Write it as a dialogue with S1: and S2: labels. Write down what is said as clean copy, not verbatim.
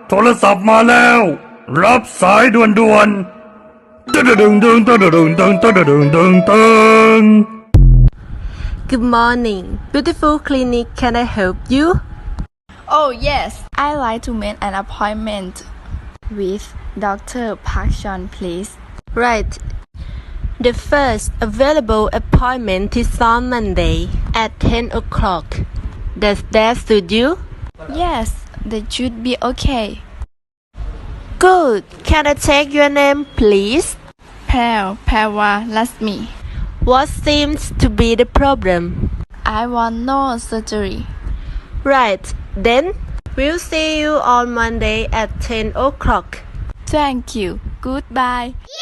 S1: โทรศัพท์มาแล้วรับสายด่วนๆตึ้งตึ้งตึ้งตึ้งตึ้งตึ้งตึ้งตึ้งตึ้งตึ้ง
S2: Good morning, beautiful clinic. Can I help you?
S3: Oh yes, I'd like to make an appointment with Dr. Park Sean, please.
S2: Right. The first available appointment is on Monday at 10 o'clock. Does that suit you?
S3: Yes, that should be okay.
S2: Good. Can I take your name, please?
S3: Parwa Lasmi.
S2: What seems to be the problem?
S3: I want no surgery.
S2: Right. Then, we'll see you on Monday at 10 o'clock.
S3: Thank you. Goodbye.